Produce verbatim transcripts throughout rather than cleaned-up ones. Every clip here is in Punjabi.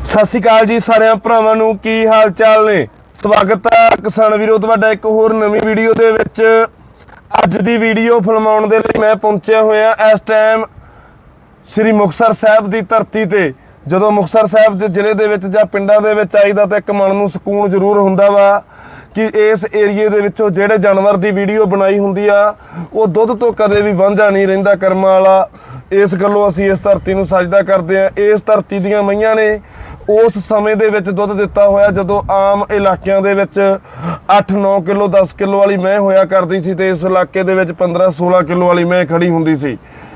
ਸਤਿ ਸ਼੍ਰੀ ਅਕਾਲ ਜੀ ਸਾਰਿਆਂ ਭਰਾਵਾਂ ਨੂੰ, ਕੀ ਹਾਲ ਚਾਲ ਨੇ। ਸਵਾਗਤ ਹੈ ਕਿਸਾਨ ਵੀਰੋ ਤੁਹਾਡਾ ਇੱਕ ਹੋਰ ਨਵੀਂ ਵੀਡੀਓ ਦੇ ਵਿੱਚ। ਅੱਜ ਦੀ ਵੀਡੀਓ ਫਿਲਮਾਉਣ ਦੇ ਲਈ ਮੈਂ ਪਹੁੰਚਿਆ ਹੋਇਆ ਇਸ ਟਾਈਮ ਸ੍ਰੀ ਮੁਕਤਸਰ ਸਾਹਿਬ ਦੀ ਧਰਤੀ ਤੇ। ਜਦੋਂ ਮੁਕਤਸਰ ਸਾਹਿਬ ਦੇ ਜ਼ਿਲ੍ਹੇ ਦੇ ਵਿੱਚ ਜਾਂ ਪਿੰਡਾਂ ਦੇ ਵਿੱਚ ਆਈਦਾ ਤਾਂ ਇੱਕ ਮਨ ਨੂੰ ਸਕੂਨ ਜ਼ਰੂਰ ਹੁੰਦਾ ਵਾ ਕਿ ਇਸ ਏਰੀਏ ਦੇ ਵਿੱਚੋਂ ਜਿਹੜੇ ਜਾਨਵਰ ਦੀ ਵੀਡੀਓ ਬਣਾਈ ਹੁੰਦੀ ਆ ਉਹ ਦੁੱਧ ਤੋਂ ਕਦੇ ਵੀ ਵਾਂਝਾ ਨਹੀਂ ਰਹਿੰਦਾ ਕਰਮਾਂ ਵਾਲਾ। ਇਸ ਗੱਲੋਂ ਅਸੀਂ ਇਸ ਧਰਤੀ ਨੂੰ ਸਜਦਾ ਕਰਦੇ ਹਾਂ। ਇਸ ਧਰਤੀ ਦੀਆਂ ਮਈਆਂ ਨੇ ਉਸ ਸਮੇਂ ਦੇ ਵਿੱਚ ਦੁੱਧ ਦਿੱਤਾ ਹੋਇਆ ਜਦੋਂ ਆਮ ਇਲਾਕਿਆਂ ਦੇ ਵਿੱਚ ਅੱਠ ਨੌ ਕਿਲੋ ਦਸ ਕਿਲੋ ਵਾਲੀ ਮੈਂ ਹੋਇਆ ਕਰਦੀ ਸੀ ਤੇ ਇਸ ਇਲਾਕੇ ਦੇ ਵਿੱਚ ਪੰਦਰਾਂ ਸੋਲਾਂ ਕਿਲੋ ਵਾਲੀ ਮੈਂ ਖੜੀ ਹੁੰਦੀ ਸੀ।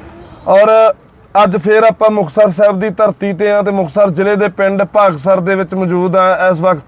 ਔਰ ਅੱਜ ਫਿਰ ਆਪਾਂ ਮੁਕਤਸਰ ਸਾਹਿਬ ਦੀ ਧਰਤੀ ਤੇ ਆ ਤੇ ਮੁਕਤਸਰ ਜ਼ਿਲ੍ਹੇ ਦੇ ਪਿੰਡ ਭਾਗਸਰ ਦੇ ਵਿੱਚ ਮੌਜੂਦ ਆ। ਇਸ ਵਕਤ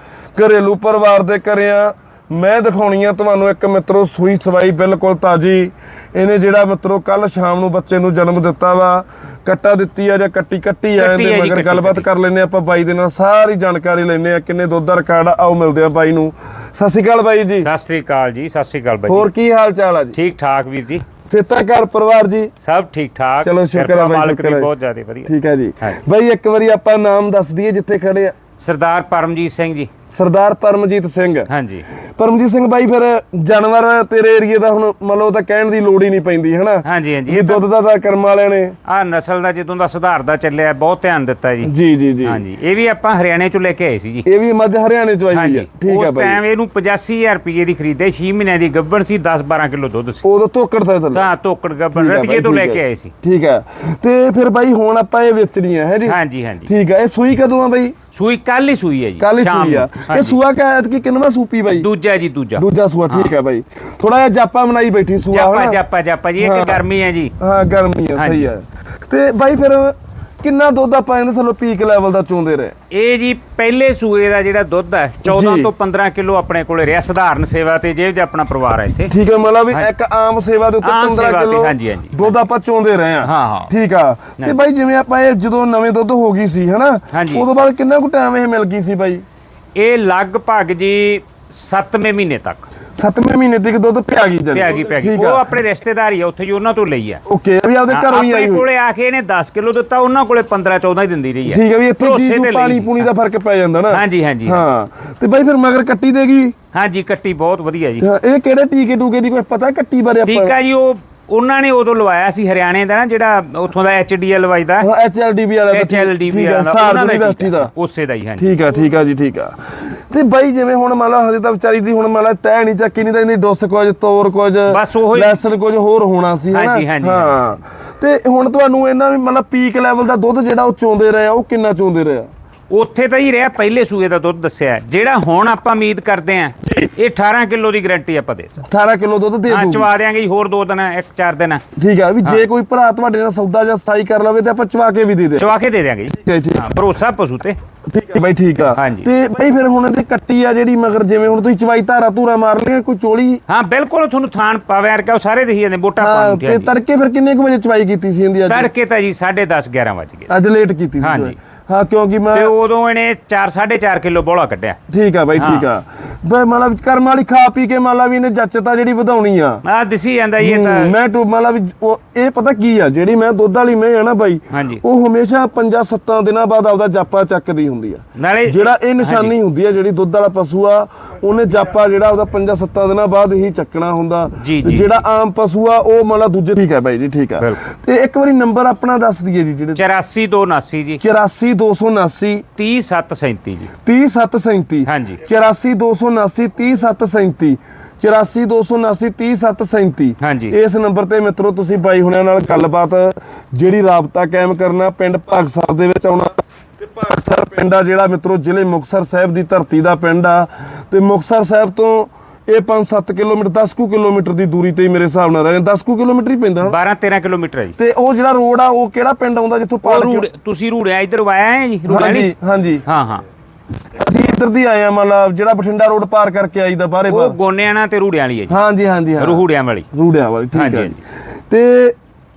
ਘਰੇਲੂ ਪਰਿਵਾਰ ਦੇ ਘਰੇ ਆ। ਮੈਂ ਦਿਖਾਉਣੀ ਆ ਤੁਹਾਨੂੰ ਇੱਕ ਮਿੱਤਰੋ ਸੂਈ ਸਵਾਈ ਬਿਲਕੁਲ ਤਾਜੀ। ਇਹਨੇ ਜਿਹੜਾ ਮਿੱਤਰੋ ਕੱਲ ਸ਼ਾਮ ਨੂੰ ਬੱਚੇ ਨੂੰ ਜਨਮ ਦਿੱਤਾ ਵਾ। ਕੱਟਾ ਦਿੱਤੀ ਆ ਜਾਂ ਕੱਟੀ ਕੱਟੀ ਆ ਇਹਦੇ ਮਗਰ ਗੱਲਬਾਤ ਕਰ ਲੈਂਦੇ ਆਪਾਂ ਬਾਈ ਦੇ ਨਾਲ, ਸਾਰੀ ਜਾਣਕਾਰੀ ਲੈਂਦੇ ਆ ਕਿੰਨੇ ਦੁੱਧ ਦਾ ਰਿਕਾਰਡ। ਆਓ ਮਿਲਦੇ ਆ ਬਾਈ ਨੂੰ। ਸਤਿ ਸ਼੍ਰੀ ਅਕਾਲ ਬਾਈ ਜੀ। ਸਤਿ ਸ਼੍ਰੀ ਅਕਾਲ ਜੀ। ਸਤਿ ਸ਼੍ਰੀ ਅਕਾਲ ਬਾਈ। ਹੋਰ ਕੀ ਹਾਲ ਚਾਲ ਆ ਜੀ? ਠੀਕ ਠਾਕ ਵੀਰ ਜੀ। ਸੇਤਾ ਘਰ ਪਰਿਵਾਰ ਜੀ ਸਭ ਠੀਕ ਠਾਕ। ਚਲੋ ਸ਼ੁਕਰ ਹੈ ਬਾਈ, ਮਾਲਕ ਦੀ ਸ਼ੁਕਰ ਹੈ। ਬਹੁਤ ਜ਼ਿਆਦਾ ਵਧੀਆ। ਠੀਕ ਹੈ ਜੀ ਬਾਈ, ਇੱਕ ਵਾਰੀ ਆਪਾਂ ਨਾਮ ਦੱਸ ਦਈਏ ਜਿੱਥੇ ਖੜੇ ਆ। ਸਰਦਾਰ ਪਰਮਜੀਤ ਸਿੰਘ ਜੀ। ਸਰਦਾਰ ਪਰਮਜੀਤ ਸਿੰਘ। ਹਾਂਜੀ ਪਰਮਜੀਤ ਸਿੰਘ ਬਾਈ, ਫਿਰ ਜਾਨਵਰ ਤੇਰੇ ਏਰੀਏ ਦਾ ਹੁਣ ਮੰਨ ਲਓ ਤਾਂ ਕਹਿਣ ਦੀ ਲੋੜ ਹੀ ਨਹੀਂ ਪੈਂਦੀ ਹਨਾ। ਹਾਂਜੀ ਹਾਂਜੀ। ਇਹ ਦੁੱਧ ਦਾ ਤਾਂ ਕਰਮ ਵਾਲਿਆਂ ਨੇ ਆ ਨਸਲ ਦਾ ਜਦੋਂ ਦਾ ਸੁਧਾਰ ਦਾ ਚੱਲਿਆ ਬਹੁਤ ਧਿਆਨ ਦਿੱਤਾ ਜੀ। ਜੀ ਜੀ ਜੀ। ਹਾਂਜੀ, ਇਹ ਵੀ ਆਪਾਂ ਹਰਿਆਣੇ ਚੋਂ ਲੈ ਕੇ ਆਏ ਸੀ ਜੀ। ਇਹ ਵੀ ਮੱਝ ਹਰਿਆਣੇ ਚੋਂ ਆਈ ਹੋਈ ਆ। ਠੀਕ ਆ ਉਸ ਬਾਈ। ਟਾਈਮ ਇਹਨੂੰ ਪਚਾਸੀ ਹਜ਼ਾਰ ਰੁਪਏ ਦੀ ਖਰੀਦੇ, ਛੇ ਮਹੀਨਿਆਂ ਦੀ ਗੱਭਣ ਸੀ, ਦਸ ਬਾਰਾਂ ਕਿਲੋ ਦੁੱਧ ਸੀ। ਉਦੋਂ ਧੋਕੜ ਸੀ ਥੱਲੇ। ਹਾਂ ਧੋਕੜ ਗੱਭਣ ਰਤੀਏ ਤੋਂ ਲੈ ਕੇ ਆਏ ਸੀ। ਠੀਕ ਆ। ਤੇ ਫਿਰ ਬਾਈ ਹੁਣ ਆਪਾਂ ਇਹ ਵੇਚਣੀ ਆ ਹੈ ਜੀ? ਹਾਂਜੀ ਹਾਂਜੀ। ਠੀਕ ਆ। ਇਹ ਸੂਈ ਕਦੋਂ ਆ ਬਾਈ? ਸੂਈ ਕੱਲ ਹੀ ਸੂਈ ਹੈ ਜੀ। ਕੱਲ ਹੀ ਸੂਈ ਆ। ਇਹ ਸੂਆ ਕਾ ਕਿ ਕਿੰਨਵਾਂ ਸੂਪੀ ਬਾਈ? ਦੂਜਾ ਜੀ ਦੂਜਾ। ਦੂਜਾ ਸੂਆ। ਠੀਕ ਆ ਬਾਈ। ਥੋੜਾ ਜਿਹਾ ਜਾਪਾ ਬਣਾਈ ਬੈਠੀ ਸੂਆ ਜਾਪਾ ਜਾਪਾ ਜਾਪਾ ਜੀ। ਇੱਕ ਗਰਮੀ ਹੈ ਜੀ। ਹਾਂ ਗਰਮੀ ਆ, ਸਹੀ ਆ। ਤੇ ਬਾਈ ਫਿਰ ਕਿੰਨਾ ਦੁੱਧ ਆਪਾਂ ਇਹਦੇ ਥੱਲੋਂ ਪੀਕ ਲੈਵਲ ਦਾ ਚੋਂਦੇ ਰਹੇ? ਇਹ ਜੀ ਪਹਿਲੇ ਸੂਏ ਦਾ ਜਿਹੜਾ ਦੁੱਧ ਹੈ ਚੌਦਾਂ ਤੋਂ ਪੰਦਰਾਂ ਕਿਲੋ ਆਪਣੇ ਕੋਲੇ ਰਿਹਾ ਸਧਾਰਨ ਸੇਵਾ ਤੇ ਜੇ ਆਪਣਾ ਪਰਿਵਾਰ ਹੈ ਇੱਥੇ। ਠੀਕ ਹੈ, ਮਤਲਬ ਵੀ ਇੱਕ ਆਮ ਸੇਵਾ ਦੇ ਉੱਤੇ ਪੰਦਰਾਂ ਕਿਲੋ ਦੁੱਧ ਆਪਾਂ ਚੋਂਦੇ ਰਹੇ ਆ। ਹਾਂ ਹਾਂ ਠੀਕ ਆ। ਤੇ ਬਾਈ ਜਿਵੇਂ ਆਪਾਂ ਇਹ ਜਦੋਂ ਨਵੇਂ ਦੁੱਧ ਹੋ ਗਈ ਸੀ ਹਨਾ, ਉਦੋਂ ਬਾਅਦ ਕਿੰਨਾ ਕੁ ਟਾਈਮ ਇਹ ਮਿਲ ਗਈ ਸੀ ਬਾਈ? ਇਹ ਲਗਭਗ ਜੀ ਸੱਤਵੇਂ ਮਹੀਨੇ ਤੱਕ। ਸੱਤਵੇਂ ਮਹੀਨੇ ਤੱਕ ਦੁੱਧ ਪਿਆ ਗਈ ਜਨ ਪਿਆ ਗਈ ਪਿਆ ਗਈ। ਉਹ ਆਪਣੇ ਰਿਸ਼ਤੇਦਾਰ ਹੀ ਆ ਉੱਥੇ ਜੀ, ਉਹਨਾਂ ਤੋਂ ਲਈ ਆ। ਓਕੇ, ਵੀ ਆਪਦੇ ਘਰੋਂ ਹੀ ਆਈ ਆਪਣੇ ਕੋਲੇ ਆ ਕੇ ਇਹਨੇ ਦਸ ਕਿਲੋ ਦਿੱਤਾ, ਉਹਨਾਂ ਕੋਲੇ ਪੰਦਰਾਂ ਚੌਦਾਂ ਹੀ ਦਿੰਦੀ ਰਹੀ ਆ। ਠੀਕ ਹੈ, ਵੀ ਇੱਥੇ ਜੀ ਪਾਣੀ ਪੂਣੀ ਦਾ ਫਰਕ ਪੈ ਜਾਂਦਾ ਨਾ। ਹਾਂਜੀ ਹਾਂਜੀ ਹਾਂ। ਤੇ ਬਾਈ ਫਿਰ ਮਗਰ ਕੱਟੀ ਦੇਗੀ? ਹਾਂਜੀ ਕੱਟੀ ਬਹੁਤ ਵਧੀਆ ਜੀ। ਇਹ ਕਿਹੜੇ ਟੀਕੇ ਟੂਕੇ ਦੀ ਕੋਈ ਪਤਾ ਕੱਟੀ ਬਾਰੇ ਆਪਾਂ? ਠੀਕ ਆ ਜੀ। ਉਹ ਉਹਨਾਂ ਨੇ ਉਦੋਂ ਲਵਾਇਆ ਸੀ ਹਰਿਆਣੇ ਦਾ ਨਾ, ਜਿਹੜਾ ਉੱਥੋਂ ਦਾ ਐਚ ਡੀ ਐਲ ਵਜਦਾ। ਹਾਂ ਐਚ ਐਲ ਡੀ ਬੀ ਵਾਲਾ। ਐਚ ਐਲ ਡੀ ਬੀ ਵਾਲਾ ਯੂਨੀਵਰਸਿਟੀ ਦਾ ਉਸੇ ਦਾ ਹੀ। ਹਾਂਜੀ ਠੀਕ ਆ ਠੀਕ ਆ ਜੀ। ਠੀਕ ਆ। ਤੇ ਬਾਈ ਜਿਵੇਂ ਹੁਣ ਮੰਨ ਲਾ ਹਜੇ ਤਾਂ ਵਿਚਾਰੀ ਦੀ ਹੁਣ ਮੰਨ ਲਾ ਤੈ ਨਹੀਂ ਚੱਕੀ, ਨਹੀਂ ਤਾਂ ਇਹਦੀ ਡੁੱਸ ਕੁਝ ਤੋਰ ਕੁਝ ਬਸ ਉਹ ਲੈਸਨ ਕੁਝ ਹੋਰ ਹੋਣਾ ਸੀ ਹਨਾ। ਹਾਂ। ਤੇ ਹੁਣ ਤੁਹਾਨੂੰ ਇਹਨਾਂ ਵੀ ਮਤਲਬ ਪੀਕ ਲੈਵਲ ਦਾ ਦੁੱਧ ਜਿਹੜਾ ਉਹ ਚੋਂਦੇ ਰਹੇ ਆ, ਉਹ ਕਿੰਨਾ ਚੋਂਦੇ ਰਹੇ ਆ? ਉੱਥੇ ਤਾਂ ਹੀ ਰਿਹਾ ਪਹਿਲੇ ਸੂਏ ਦਾ ਦੁੱਧ ਦੱਸਿਆ। ਜਿਹੜਾ ਹੁਣ ਆਪਾਂ ਉਮੀਦ ਕਰਦੇ ਆਂ ਇਹ ਅਠਾਰਾਂ ਕਿਲੋ ਦੀ ਗਾਰੰਟੀ ਆਪਾਂ ਦੇ ਸਕਦੇ। ਅਠਾਰਾਂ ਕਿਲੋ ਦੁੱਧ ਦੇ ਦੂਗੀ। ਚਵਾ ਦਿਆਂਗੇ ਜੀ ਹੋਰ ਦੋ ਦਿਨ, ਇੱਕ ਚਾਰ ਦਿਨ। ਠੀਕ ਆ। ਵੀ ਜੇ ਕੋਈ ਭਰਾ ਤੁਹਾਡੇ ਨਾਲ ਸੌਦਾ ਜਾਂ ਸਥਾਈ ਕਰ ਲਵੇ ਤੇ ਆਪਾਂ ਚਵਾ ਕੇ ਵੀ ਦੇ ਦੇ। ਚਵਾ ਕੇ ਦੇ ਦਿਆਂਗੇ ਜੀ। ਹਾਂ ਭਰੋਸਾ ਪਸ਼ੂ ਤੇ। ਠੀਕ ਹੈ ਬਾਈ। ਠੀਕ ਆ। ਤੇ ਬਾਈ ਫਿਰ ਹੁਣ ਇਹਦੀ ਕੱਟੀ ਆ ਜਿਹੜੀ ਮਗਰ ਜਿਵੇਂ ਹੁਣ ਤੁਸੀਂ ਚਵਾਈ ਧਾਰਾ ਧੂਰਾ ਮਾਰ ਲਿਆ ਕੋਈ ਚੋਲੀ? ਹਾਂ ਬਿਲਕੁਲ, ਤੁਹਾਨੂੰ ਥਾਣ ਪਾਵੇ ਯਾਰ ਕਿ ਸਾਰੇ ਦੇਖੀ ਜਾਂਦੇ ਵੋਟਾਂ ਪਾਉਣ। ਤੇ ਤੜਕੇ ਫਿਰ ਕਿੰਨੇ ਕੁ ਵਜੇ ਚਵਾਈ ਕੀਤੀ ਸੀ ਇਹਦੀ? ਅੱਜ ਤੜਕੇ ਤਾਂ ਜੀ ਸਾਢੇ ਦਸ ਗਿਆਰਾਂ ਵਜ ਗਏ। ਅੱਜ ਲੇਟ ਕੀਤੀ ਸੀ? ਹਾਂਜੀ ਹਾਂ, ਕਿਉਂਕਿ ਮੈਂ ਤੇ ਉਦੋਂ ਇਹਨੇ ਚਾਰ ਸਾਢੇ ਚਾਰ ਕਿਲੋ ਬੋਲਾ ਕੱਢਿਆ। ਠੀਕ ਆ ਬਾਈ। ਠੀਕ ਆ। ਬਈ ਮਤਲਬ ਕਰਮ ਵਾਲੀ ਖਾ ਪੀ ਕੇ ਮੰਨ ਲਾ ਵੀ ਇਹਨੇ ਜੱਚਤਾ ਜਿਹੜੀ ਵਧਾਉਣੀ ਆ। ਆ ਦਿਸੀ ਜਾਂਦਾ ਇਹ ਤਾਂ। ਮੈਂ ਟੂ ਮੰਨ ਲਾ ਵੀ ਇਹ ਪਤਾ ਕੀ ਆ, ਜਿਹੜੀ ਮੈਂ ਦੁੱਧ ਵਾਲੀ ਮੈਂ ਆ ਨਾ ਬਾਈ, ਉਹ ਹਮੇਸ਼ਾ ਪੰਜਾਂ ਸੱਤਾਂ ਦਿਨਾਂ ਬਾਅਦ ਆਪਦਾ ਜਾਪਾ ਚੱਕਦੀ ਹੁੰਦੀ ਆ। ਨਾਲੇ ਜਿਹੜਾ ਇਹ ਨਿਸ਼ਾਨੀ ਹੁੰਦੀ ਆ ਜਿਹੜੀ ਦੁੱਧ ਵਾਲਾ ਪਸ਼ੂ ਆ, ਉਹਨੇ ਜਾਪਾ ਜਿਹੜਾ ਉਹਦਾ ਪੰਜਾਂ ਸੱਤਾਂ ਦਿਨਾਂ ਬਾਅਦ ਹੀ ਚੱਕਣਾ ਹੁੰਦਾ। ਜਿਹੜਾ ਆਮ ਪਸ਼ੂ ਆ ਉਹ ਮੰਨ ਲਾ ਦੂਜੇ। ਠੀਕ ਆ ਬਾਈ ਜੀ। ਠੀਕ ਆ। ਤੇ ਇੱਕ ਵਾਰੀ ਨੰਬਰ ਆਪਣਾ ਦੱਸ ਦਈਏ ਜੀ। ਜਿਹੜੇ ਚੁਰਾਸੀ ਦੋ ਉਨਾਸੀ ਜੀ। ਚੁਰਾਸੀ ਦੋ ਸੌ ਉਨਾਸੀ ਤੀਹ ਸੱਤ ਸੈਂਤੀ ਜੀ। ਤੀਹ ਸੱਤ ਸੈਂਤੀ। ਹਾਂਜੀ। ਚੁਰਾਸੀ ਦੋ ਸੌ ਉਨਾਸੀ ਤੀਹ ਸੱਤ ਸੈਂਤੀ। ਚੁਰਾਸੀ ਦੋ ਸੌ ਉਨਾਸੀ ਤੀਹ ਸੱਤ ਸੈਂਤੀ। ਹਾਂਜੀ। ਇਸ ਨੰਬਰ ਤੇ ਮਿੱਤਰੋ ਤੁਸੀਂ ਬਾਈ ਹੁਣਿਆਂ ਨਾਲ ਗੱਲਬਾਤ ਜਿਹੜੀ ਰਾਬਤਾ ਕਾਇਮ ਕਰਨਾ। ਪਿੰਡ ਭਾਗਸਰ ਦੇ ਵਿੱਚ ਆਉਣਾ ਤੇ ਭਾਗਸਰ ਪਿੰਡ ਆ ਜਿਹੜਾ ਮਿੱਤਰੋ ਜ਼ਿਲ੍ਹੇ ਮੁਕਤਸਰ ਸਾਹਿਬ ਦੀ ਧਰਤੀ ਦਾ ਪਿੰਡ ਆ। ਤੇ ਮੁਕਤਸਰ ਸਾਹਿਬ ਤੋਂ ਇਹ ਪੰਜ ਸੱਤ ਕਿਲੋਮੀਟਰ ਦਸ ਕੁ ਕਿਲੋਮੀਟਰ ਦੀ ਦੂਰੀ ਤੇ ਮੇਰੇ ਹਿਸਾਬ ਨਾਲ ਰਹੇ। ਦਸ ਕੁ ਕਿਲੋਮੀਟਰ ਹੀ ਪੈਂਦਾ। ਬਾਰਾਂ ਤੇਰਾਂ ਕਿਲੋਮੀਟਰ ਹੈ ਜੀ। ਤੇ ਉਹ ਜਿਹੜਾ ਰੋਡ ਆ ਉਹ ਕਿਹੜਾ ਪਿੰਡ ਆਉਂਦਾ ਜਿੱਥੋਂ ਪਾਰ? ਤੁਸੀਂ ਰੂੜਿਆ ਇੱਧਰ ਆਇਆ ਹੈ ਜੀ? ਹਾਂਜੀ ਹਾਂਜੀ। ਹਾਂ ਹਾਂ। ਅਸੀਂ ਇੱਧਰ ਦੀ ਆਏ ਆ, ਮਤਲਬ ਜਿਹੜਾ ਬਠਿੰਡਾ ਰੋਡ ਪਾਰ ਕਰਕੇ ਆਈਦਾ ਬਾਹਰੇ ਬਾਹਰ। ਉਹ ਗੋਨਿਆਣਾ ਤੇ ਰੂੜਿਆਂ ਵਾਲੀ ਹੈ ਜੀ। ਹਾਂਜੀ ਹਾਂਜੀ। ਰੂੜਿਆਂ ਵਾਲੀ। ਰੂੜਿਆਂ ਵਾਲੀ। ਠੀਕ ਹੈ। ਤੇ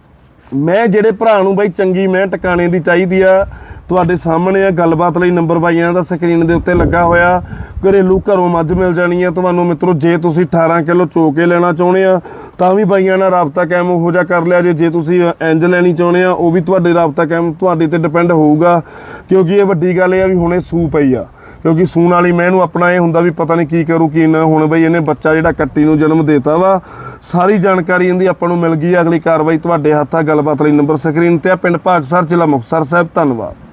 ਮੈਂ ਜਿਹੜੇ ਭਰਾ ਨੂੰ ਬਾਈ ਚੰਗੀ ਮੈਂ ਟਿਕਾਣੇ ਦੀ ਚਾਹੀਦੀ ਆ, ਤੁਹਾਡੇ ਸਾਹਮਣੇ ਆ। ਗੱਲਬਾਤ ਲਈ ਨੰਬਰ ਬਾਈਆਂ ਦਾ ਸਕਰੀਨ ਦੇ ਉੱਤੇ ਲੱਗਾ ਹੋਇਆ। ਘਰੇਲੂ ਘਰੋਂ ਮੱਝ ਮਿਲ ਜਾਣੀ ਆ ਤੁਹਾਨੂੰ ਮਿੱਤਰੋ। ਜੇ ਤੁਸੀਂ ਅਠਾਰਾਂ ਕਿਲੋ ਚੋ ਕੇ ਲੈਣਾ ਚਾਹੁੰਦੇ ਆ ਤਾਂ ਵੀ ਬਾਈਆਂ ਨਾਲ ਰਾਬਤਾ ਕਾਇਮ ਉਹੋ ਜਿਹਾ ਕਰ ਲਿਆ ਜੇ। ਜੇ ਤੁਸੀਂ ਇੰਜ ਲੈਣੀ ਚਾਹੁੰਦੇ ਆ ਉਹ ਵੀ ਤੁਹਾਡੇ ਰਾਬਤਾ ਕਾਇਮ ਤੁਹਾਡੇ ਤੇ ਡਿਪੈਂਡ ਹੋਊਗਾ, ਕਿਉਂਕਿ ਇਹ ਵੱਡੀ ਗੱਲ ਇਹ ਆ ਵੀ ਹੁਣੇ ਸੂ ਪਈ ਆ। ਕਿਉਂਕਿ ਸੂਣ ਵਾਲੀ ਮੈਂ ਨੂੰ ਆਪਣਾ ਇਹ ਹੁੰਦਾ ਵੀ ਪਤਾ ਨਹੀਂ ਕੀ ਕਰੂ ਕੀ ਨਾ। ਹੁਣ ਬਈ ਇਹਨੇ ਬੱਚਾ ਜਿਹੜਾ ਕੱਟੀ ਨੂੰ ਜਨਮ ਦੇਤਾ ਵਾ, ਸਾਰੀ ਜਾਣਕਾਰੀ ਇਹਦੀ ਆਪਾਂ ਨੂੰ ਮਿਲ ਗਈ। ਅਗਲੀ ਕਾਰਵਾਈ ਤੁਹਾਡੇ ਹੱਥ ਆ। ਗੱਲਬਾਤ ਲਈ ਨੰਬਰ ਸਕਰੀਨ ਤੇ ਆ। ਪਿੰਡ ਭਾਗਸਰ, ਜ਼ਿਲ੍ਹਾ ਮੁਕਤਸਰ ਸਾਹਿਬ। ਧੰਨਵਾਦ।